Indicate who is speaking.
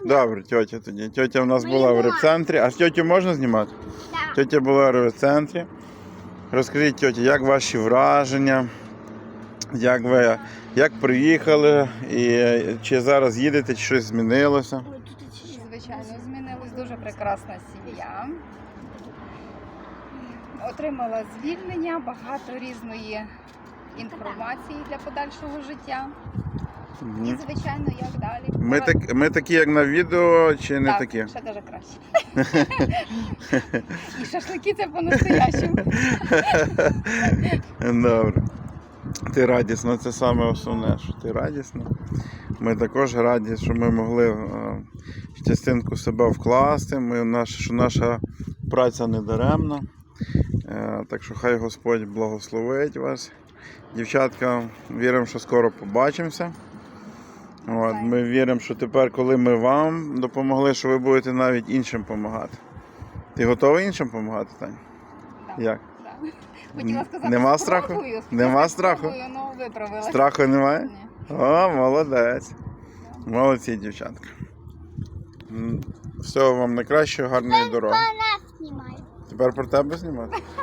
Speaker 1: Добре, тьотя тоді. Тьотя в нас була в репцентрі. А тьотю можна знімати?
Speaker 2: Так.
Speaker 1: Тьотя була в репцентрі. Розкажіть, тьотя, як ваші враження? Як приїхали? І чи зараз їдете, чи щось змінилося?
Speaker 3: Звичайно, змінилась дуже прекрасна сім'я. Отримала звільнення, багато різної інформації для подальшого життя. І, звичайно, як далі.
Speaker 1: Ми такі, як на відео, чи не
Speaker 3: так,
Speaker 1: такі?
Speaker 3: ще дуже краще. І шашлики це по-настоящему.
Speaker 1: Добре. Ти радісна, це саме основне, що ти радісна. Ми також раді, що ми могли частинку себе вкласти, що наша праця не даремна. Так що хай Господь благословить вас. Дівчатка, віримо, що скоро побачимося. Ми віримо, що тепер, коли ми вам допомогли, що ви будете навіть іншим допомагати. Ти готова іншим допомагати, Тань?
Speaker 3: Так.
Speaker 1: Як?
Speaker 3: Так. Хотіла сказати,
Speaker 1: Нема
Speaker 3: спробую.
Speaker 1: страху? Нема страху?
Speaker 3: Спробую, ну, виправилась.
Speaker 1: Страху немає?
Speaker 3: Ні.
Speaker 1: О, молодець. Молодці, дівчатка. Всього вам найкращого, гарної дороги.
Speaker 2: Нас знімають.
Speaker 1: Тепер про тебе знімати?